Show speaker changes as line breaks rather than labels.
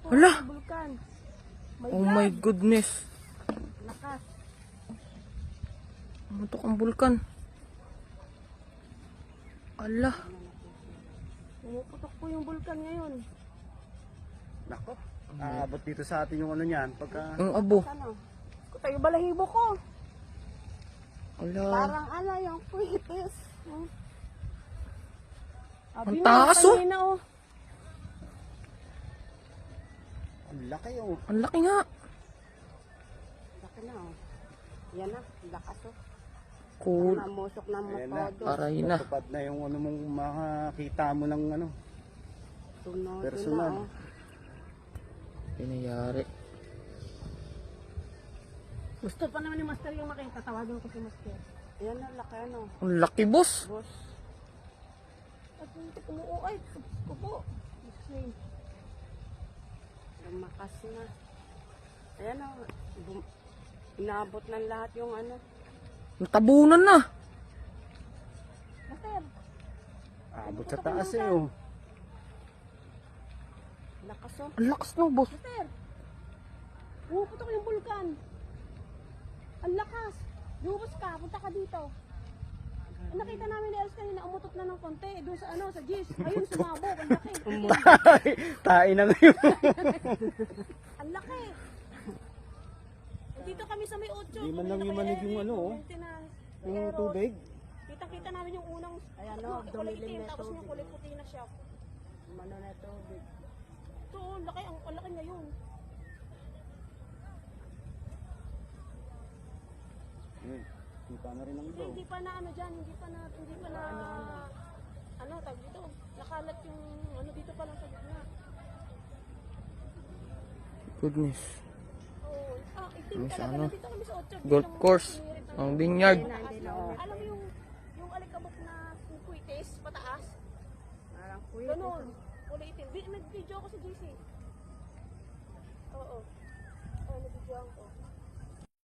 Hala!
Bulkan.
Oh my goodness.
Lakas.
Umutok ang bulkan. Ala.
Pumuputok po yung bulkan ngayon.
Nako. Aabot dito sa atin yung ano niyan. Pagka...
Ang abo.
Ano? Kuta yung balahibo ko.
Ala.
Parang ano yung kuitis.
Ang taas, oh.
Oh.
Ang laki oh.
Ang laki nga.
Laki na oh. Yan na. Lakas oh.
Cool.
Namusok na mo
Ayan na.
todo.
Aray na.
Tupad na yung ano mong makakita mo ng ano.
Tuno,
Personal.
tuno, oh.
Pinayari.
Gusto pa naman ni Master yung makita. Tawagan ko si Master. Yan na. Laki ano.
Ang laki, boss.
Boss. At hindi umuuay. Kupo. Lumakas na. Ayan o. Inabot ng lahat yung ano.
Natabunan na.
Master.
Aabot sa taas eh oh.
Lakas o.
Ang lakas no, boss.
Master. Pumuputok yung bulkan. Ang lakas. Lumabas ka. Punta ka dito. Nakita namin ni Els kanina, umutot na ng konti. Doon sa ano, sa Gis. Ayun, sumabog. Ang laki.
Tae na ngayon.
Ang laki. Dito kami sa may 8.
Di man lang yung manig yung ano, oh. Yung tubig.
Kita-kita namin yung unang ayan o, kulay itim, tapos yung kulay puti na siya. Mano na tubig. Ito, laki, ang laki ngayon.
Kita na rin ang iba.
Hindi pa na ano dyan, hindi pa na, ano, tag dito. Nakalat yung ano dito pa lang sa gitna.
Goodness.
Oo. Itim
Ano sa
talaga,
ano?
nandito kami sa 8.
Golf course. Ang vineyard.
Alam mo yung alikabok na kuitis, pataas?
Parang kuya.
Ganun, kulay itim. Nag-video ako sa GC. Oo. Oo, nag-video ako.